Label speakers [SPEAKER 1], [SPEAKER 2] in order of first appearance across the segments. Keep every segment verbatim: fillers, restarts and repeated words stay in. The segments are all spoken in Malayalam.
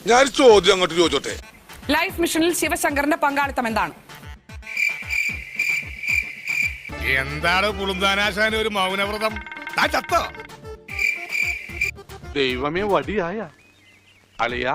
[SPEAKER 1] ഞാൻ ചോദ്യം അങ്ങോട്ട് ചോദിച്ചോട്ടെ.
[SPEAKER 2] ലൈഫ് മിഷനിൽ ശിവശങ്കറിന്റെ പങ്കാളിത്തം എന്താണ്?
[SPEAKER 1] എന്താണ് പുളുന്താനാശാന ഒരു മൗനവ്രതം? ചത്തോ?
[SPEAKER 3] ദൈവമേ വടിയായ അളിയാ.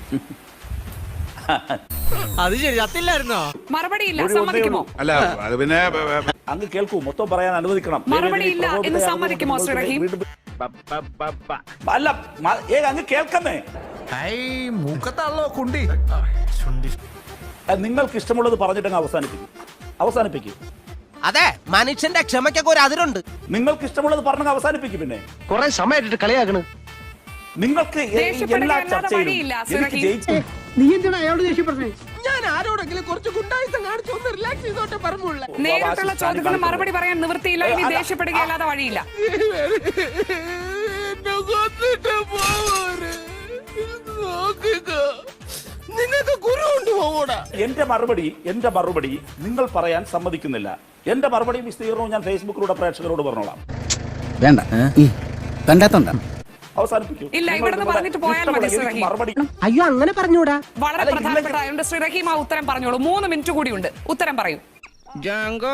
[SPEAKER 4] അത് ശരി, ചത്തില്ലായിരുന്നോ?
[SPEAKER 2] മറുപടി ഇല്ല, സമ്മതിക്കുമോ?
[SPEAKER 1] അല്ല അത് പിന്നെ
[SPEAKER 5] അങ്ങ് കേൾക്കൂ, മൊത്തം പറയാൻ അനുവദിക്കണം.
[SPEAKER 2] മറുപടി ഇല്ല എന്ന് സമ്മതിക്കുമോ ശ്രീ റഹീം?
[SPEAKER 5] അല്ല ഏ അങ്ങ് കേൾക്കുന്നേ.
[SPEAKER 4] മൂക്കത്താണല്ലോ കുണ്ടി.
[SPEAKER 5] നിങ്ങൾക്ക് ഇഷ്ടമുള്ളത് പറഞ്ഞിട്ടങ്ങ് അവസാനിപ്പിക്കും അവസാനിപ്പിക്കും
[SPEAKER 6] അതെ, മനുഷ്യന്റെ ക്ഷമയ്ക്കൊക്കെ ഒരു അതിരുണ്ട്.
[SPEAKER 5] നിങ്ങൾക്ക് ഇഷ്ടമുള്ളത് പറഞ്ഞ അവസാനിപ്പിക്കും. പിന്നെ
[SPEAKER 3] കൊറേ സമയമായിട്ട് കളിയാക്കണ്.
[SPEAKER 5] നിങ്ങൾക്ക് എല്ലാ ചർച്ചയിലും എനിക്ക് ജയിച്ചു.
[SPEAKER 7] നീ എന്തിനാ അയാളോട് ദേഷ്യപ്പെടുന്നേ?
[SPEAKER 4] ഞാൻ ആരോടെങ്കിലും കുറച്ച് ഗുണ്ടായുസം കാണിച്ചു ഒന്ന് റിലാക്സ് ചെയ്തോട്ടെ പറഞ്ഞുള്ള.
[SPEAKER 2] നേരിട്ടുള്ള ചോദ്യത്തിന് മറുപടി പറയാൻ നിവൃത്തിയില്ല. ഇനി ദേഷ്യപ്പെടുകയല്ലാതെ വഴിയില്ല.
[SPEAKER 4] നിങ്ങൾക്ക് ഗുരു ഉണ്ട് പോകൂടാ.
[SPEAKER 5] എന്റെ മറുപടി എന്റെ മറുപടി നിങ്ങൾ പറയാൻ സമ്മതിക്കുന്നില്ല. എന്റെ മറുപടി വിസ്തീർണവും ഞാൻ ഫേസ്ബുക്കിലൂടെ പ്രേക്ഷകരോട് പറഞ്ഞോളാം.
[SPEAKER 8] വേണ്ട കണ്ടാത്തോണ്ട
[SPEAKER 5] അവസാനിപ്പിക്കും.
[SPEAKER 2] ഇല്ല, ഇവിടുന്ന് പറഞ്ഞിട്ട് പോയാൽ മതി ശ്രീ റഹീം.
[SPEAKER 5] മറുപടി
[SPEAKER 7] അയ്യോ അങ്ങനെ പറഞ്ഞൂടാ.
[SPEAKER 2] വളരെ പ്രധാനപ്പെട്ട ആയതുകൊണ്ട് ശ്രീ റഹീം ആ ഉത്തരം പറഞ്ഞോളൂ. മൂന്ന് മിനിറ്റ് കൂടിയുണ്ട്, ഉത്തരം പറയൂ.
[SPEAKER 4] ജാങ്കോ,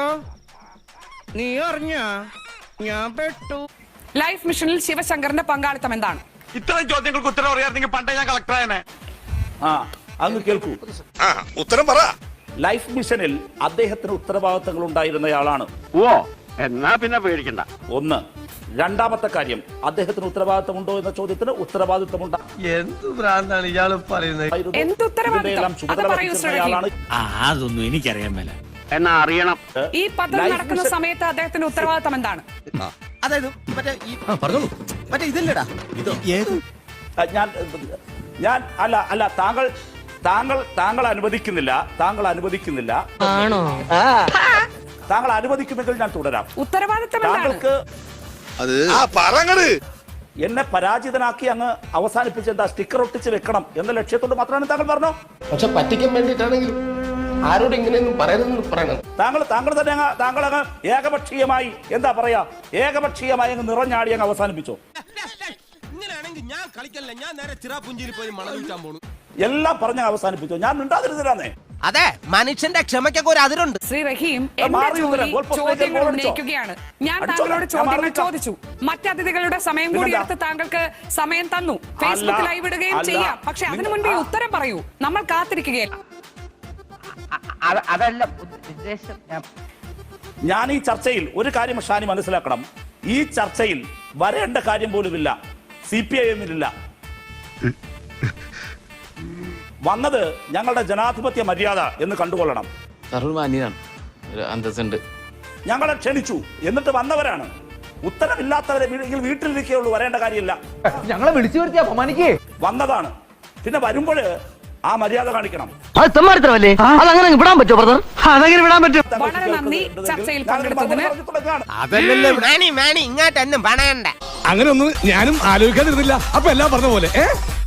[SPEAKER 4] നീ അറിഞ്ഞ ഞാൻ പെട്ടു.
[SPEAKER 2] ലൈഫ് മിഷനിൽ ശിവശങ്കറിന്റെ പങ്കാളിത്തം എന്താണ്?
[SPEAKER 3] ഇത്രയും ചോദ്യങ്ങൾക്ക് ഉത്തരം അറിയാമെങ്കിൽ പണ്ടേ ഞാൻ കളക്ടറായനെ.
[SPEAKER 5] ആ അങ്ങ് കേൾക്കൂ.
[SPEAKER 1] ആ ഉത്തരം പറ.
[SPEAKER 5] ലൈഫ് മിഷനിൽ അദ്ദേഹത്തിന് ഉത്തരവാദിത്തങ്ങൾ ഉണ്ടായിരുന്നയാളാണ്.
[SPEAKER 3] ഓ എന്നാ പിന്നെ പേടിക്കണ്ട.
[SPEAKER 5] ഒന്ന്. രണ്ടാമത്തെ കാര്യം, അദ്ദേഹത്തിന് ഉത്തരവാദിത്തമുണ്ടോ എന്ന ചോദ്യത്തിന് ഉത്തരവാദിത്തമുണ്ട്.
[SPEAKER 4] എന്ത് ഭ്രാന്താണ് ഇയാള് പറയുന്നത്?
[SPEAKER 2] എന്ത് ഉത്തരവാദിത്തം? അത് പറയൂ ശ്രീ റഹീം.
[SPEAKER 8] അതൊന്നും എനിക്കറിയാൻ മേല.
[SPEAKER 3] എന്നാ അറിയണം.
[SPEAKER 2] ഈ പദ്ധതി നടക്കുന്ന സമയത്ത് അദ്ദേഹത്തിന്റെ ഉത്തരവാദിത്തം എന്താണ്?
[SPEAKER 6] അതായത് മറ്റേ ഈ പറഞ്ഞോളൂ, മറ്റേ ഇതല്ലടാ ഇതോ ഏത്
[SPEAKER 5] ഞാൻ ഞാൻ അല്ല അല്ല താങ്കൾ താങ്കൾ താങ്കൾ അനുവദിക്കുന്നില്ല താങ്കൾ അനുവദിക്കുന്നില്ല
[SPEAKER 7] ആണോ?
[SPEAKER 5] താങ്കൾ അനുവദിക്കുമെങ്കിൽ ഞാൻ തുടരാം.
[SPEAKER 2] ഉത്തരവാദിത്തം എന്താണ്?
[SPEAKER 5] താങ്കൾക്ക്
[SPEAKER 1] അത് ആ പറങ്ങട്
[SPEAKER 5] എന്നെ പരാജിതനാക്കി അങ്ങ് അവസാനിപ്പിച്ച് എന്താ സ്റ്റിക്കർ ഒട്ടിച്ച് വെക്കണം എന്ന ലക്ഷ്യത്തോട് മാത്രമാണ് താങ്കൾ പറഞ്ഞോ.
[SPEAKER 9] പക്ഷെ പറ്റിക്കാൻ വേണ്ടിയിട്ടാണെങ്കിലും ആരോട് ഇങ്ങനെയൊന്നും പറയരുതെന്ന് പറയണം.
[SPEAKER 5] താങ്കൾ താങ്കൾ തന്നെ അങ്ങ് താങ്കൾ അങ്ങ് ഏകപക്ഷീയമായി എന്താ പറയാ ഏകപക്ഷീയമായി അങ്ങ് നിറഞ്ഞാടി അങ്ങ് അവസാനിപ്പിച്ചോ.
[SPEAKER 4] ഇങ്ങനെയാണെങ്കിൽ ഞാൻ കളിക്കല്ല, ഞാൻ നേരെ ചിറാപുഞ്ചിയിൽ പോയി മണൽ വിൽക്കാൻ പോണു.
[SPEAKER 5] എല്ലാം പറഞ്ഞ അവസാനിപ്പിച്ചോ. ഞാൻ മിണ്ടാതിരുന്നിരാന്നേ.
[SPEAKER 6] അതെ, മനുഷ്യന്റെ ക്ഷമയ്ക്കൊക്കെ ഒരു അതിരുണ്ട്.
[SPEAKER 2] ശ്രീ റഹീം,
[SPEAKER 5] മാറി
[SPEAKER 2] എന്റെ ജോലി
[SPEAKER 5] ഉത്തരം. ഗോൾ പോസ്റ്റ്
[SPEAKER 2] ചോദ്യങ്ങൾ
[SPEAKER 5] ഗോൾ
[SPEAKER 2] ഉന്നയിക്കുകയാണ്. ഞാൻ
[SPEAKER 5] അടിച്ചോ.
[SPEAKER 2] താങ്കളോട്
[SPEAKER 5] ഞാൻ
[SPEAKER 2] ചോദ്യങ്ങൾ
[SPEAKER 5] മാറി
[SPEAKER 2] ചോദിച്ചു. മറ്റതിഥികളുടെ സമയം കൂടി
[SPEAKER 5] പിന്നെന്താ?
[SPEAKER 2] എടുത്ത് താങ്കൾക്ക് സമയം തന്നു. ഫേസ്ബുക്ക് ലൈവ് ഇടുകയും
[SPEAKER 5] അല്ല.
[SPEAKER 2] ചെയ്യാം. പക്ഷെ അതിനു മുൻപേ ഈ ഉത്തരം പറയൂ. നമ്മൾ കാത്തിരിക്കുകയല്ല.
[SPEAKER 3] അതല്ല ഉദ്ദേശം.
[SPEAKER 5] ഞാൻ ഈ ചർച്ചയിൽ ഒരു കാര്യം ഷാനി മനസ്സിലാക്കണം. ഈ ചർച്ചയിൽ വരേണ്ട കാര്യം പോലുമില്ല. സി പി ഐ എമ്മിലില്ല. വന്നത് ഞങ്ങളുടെ ജനാധിപത്യ മര്യാദ എന്ന് കണ്ടുകൊള്ളണം.
[SPEAKER 9] സർവ്വമാന്യനാണ്, അന്തസ്സുണ്ട്.
[SPEAKER 5] ഞങ്ങളെ ക്ഷണിച്ചു, എന്നിട്ട് വന്നവരാണ്. ഉത്തരവില്ലാത്തവരെ വീട്ടിലിരിക്കുകയുള്ളൂ, വരേണ്ട കാര്യമില്ല.
[SPEAKER 4] ഞങ്ങളെ വിളിച്ചു വരുത്തി അപമാനിക്കേ
[SPEAKER 5] വന്നതാണ്. പിന്നെ വരുമ്പോൾ ആ മര്യാദ കാണിക്കണം.
[SPEAKER 7] അത് തെമ്മാടിത്തരമല്ലേ? അതങ്ങനെ വിടാൻ പറ്റുമോ ബ്രദർ? അതങ്ങനെ വിടാൻ പറ്റും.
[SPEAKER 2] വളരെ നന്ദി ചർച്ചയിൽ പങ്കെടുത്തതിന്.
[SPEAKER 1] അതല്ലല്ലേ
[SPEAKER 6] മാണി മാണി ഇങ്ങോട്ട് എന്നും പണയണ്ട.
[SPEAKER 1] അങ്ങനെ ഒന്നും ഞാനും ആലോചിക്കാതിരുന്നില്ല. അപ്പൊ എല്ലാം പറഞ്ഞ പോലെ ഏ